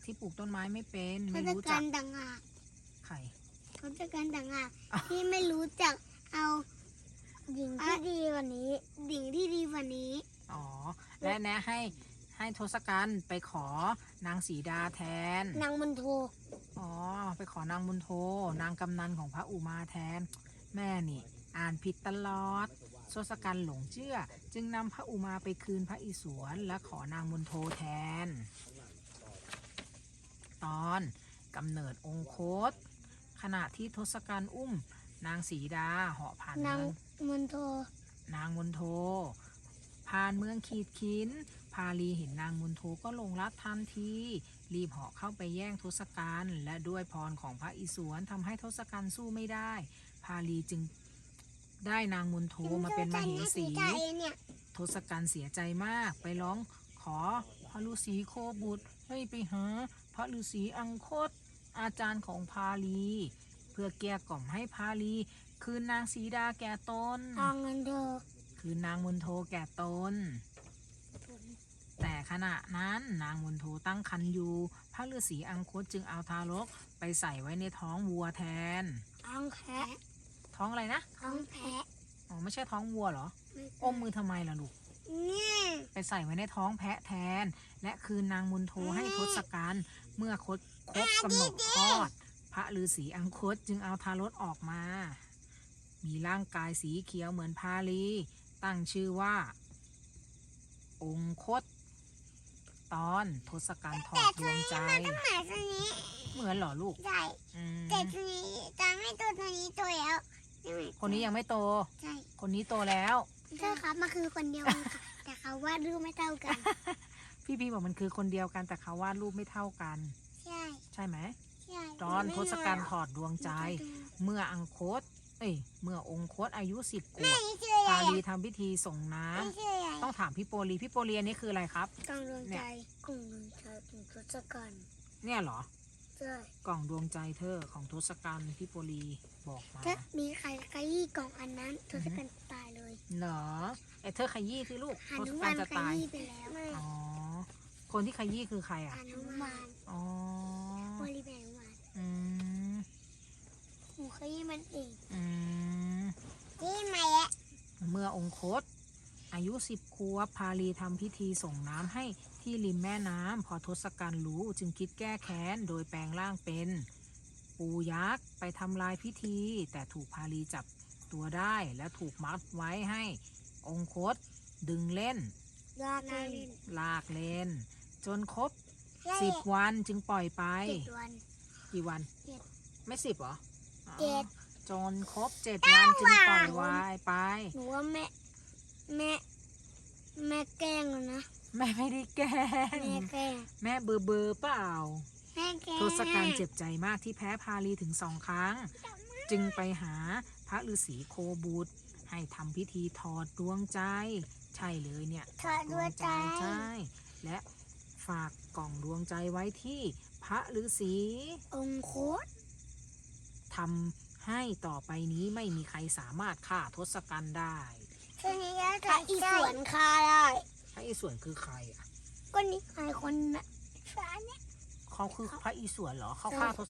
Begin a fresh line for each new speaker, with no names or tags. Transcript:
ที่ปลูกต้นไม้ไม่เป็น
ท
ไม่
ศ
รู้
กั
จั
ณ
ก
ฐ์ต่างหาก
ไข่
ทศกัณฐ์ต่างหากที่ไม่รู้จักเอาหญิงที่ดีกว่านี้หญิงที่ดีกว่านี้
อ๋อ และแนะให้ทศกัณฐ์ไปขอนางสีดาแทน
นางมณโฑ
อ๋อ ไปขอนางมุนโท นางกำนันของพระอุมาแทน แม่นี่ อ่านผิดตลอดทศกัณฐ์หลงเชื่อ จึงนำพระอุมาไปคืนพระอิศวรและขอนางมุนโทแทน ตอนกำเนิดองคต ขณะที่ทศกัณฐ์อุ้ม นางสีดาเหาะผ่าน
นาง
เมือง
มณโฑ
นางมุนโท ผ่านเมืองขีดขิน พาลีเห็นนางมุนโทก็หลงรักทันที รีบเหาะเข้าไปแย่งทศกัณฐ์และด้วยพรของพระอิศวรทำให้ทศกัณฐ์สู้ไม่ได้ พาลีจึงได้นางมุนโทมาเป็นมเหสี ทศกัณฐ์เสียใจมากไปร้องขอพระฤาษีโคบุตรให้ไปหาพระฤาษีอังคต อาจารย์ของพาลี เพื่อเกลี้ยกล่อมให้พาลีคืนนางสีดาแก่ตน
นางมณโฑ
คือนางมุนโทแก่ตน แต่ขณะนั้นนางมุนโทตั้งครรภ์อยู่ พระฤาษีอังคตจึงเอาทารกไปใส่ไว้ในท้องวัวแทน
ท้องแพะ
ท้องอะไรนะ
ท้องแพะ
อ๋อไม่ใช่ท้องวัวเหรอ อมมือทำไมล่ะลูก
เนี่ย
ไปใส่ไว้ในท้องแพะแทน และคืนนางมุนโทให้ทศกัณฐ์เมื่อครบกำหนดคลอด พระฤาษีอังคตจึงเอาทารกออกมา มีร่างกายสีเขียวเหมือนพาลี ตั้งชื่อว่า องคต ตอนทศกัณฐ์ถอดดวงใจ
หมาตัวนี้
เหมือนเหรอลูก
ใช่
อืม
แต่ตัวนี้ตอนไม่ตัวนี้โตแล้วใช่ไหม
คนนี้ยังไม่โต
ใช่
คนนี้โตแล้ว
ใช่ครับมันคือคนเดียวกันค่ะแต่เขาวาดรูปไม่เท่ากัน
พี่บอกมันคือคนเดียวกันแต่เขาวาดรูปไม่เท่ากัน
ใช่
ใช่ไหม
ใช่
ตอนทศกัณฐ์ถ
อ
อดดวงใจ เมื่ออังคต เมื่อองคตอายุ10 ขว
แม่
บ
นี่ชื่ออะไร
พาลี
อ่ะ
ทำพิธีส่งน้
ไม่ชื่ออะไร
ำต้องถามพี่โปลีพี่โปลีอันนี้คืออะไรครับ
กล่องดวง
เนี่
ใจ
ย
กล่องดวงใจถึงทศกัณฐ์
เนี่ยเหรอ
ใช่
กล่องดวงใจเธอของทศกัณฐ์พี่โปลีบอกมา
ถ้ามีใครขยี้กล่องอันนั้นทศกัณฐ์ตายเลย
เหรอเธอขยี้สิลูก
หา
ทศ
นุ
กั
มา
ณ
น
ฐ์จะ
ข
ตาย
ยี้ไปแล้ว
อ๋อ คนที่ขยี้คือใครอ่ะ
หานุมาน
อ๋อ
บริแบงมาน
อืม
หนูขยี้มันเอง
อืม
นี่มาแล้ว
เมื่อองคต อายุ10 ขวบพาลีทำพิธีส่งน้ำให้ที่ริมแม่น้ำพอทศกัณฐ์รู้จึงคิดแก้แค้นโดยแปลงร่างเป็น ปูยักษ์ไปทำลายพิธี แต่ถูกพาลีจับตัวได้และถูกมัดไว้ให้องคต ดึงเล่น
ลากเล่น
ลากเล่น จนครบ10 วันจึงปล่อยไป
7 วัน
กี่วัน
เจ็ด
ไม่10เหรออ๋อ
เจ็ด
จนครบ7 วันจึงปล่อยไว้ไป
หนูว่าแม่แกล้งแล้วนะ
แม่ไม่ได้แกล้ง
แม่แกล้ง
แม่เบอร์เปล่า
แม่แกล้ง
ทศกัณฐ์เจ็บใจมากที่แพ้พาลีถึง2 ครั้ง จึงไปหาพระฤาษีโคบุตร ให้ทำพิธีถอดดวงใจ ใช่เลยเนี่ย
ถอดดวงใจ
ใช่ และฝากกล่องดวงใจไว้ที่พระฤาษี
องค์โคต
ทำให้ต่อไปนี้ไม่มีใครสามารถฆ่าทศกัณฐ์ได้
ทีนี้พระอิศวรฆ่าได้
พระอิศวรคือใครอ่ะ
ก็นี่ใครคนน่ะฟ้าเนี่ย
เขาคือพระอิศวรเหรอเขาฆ่าทศ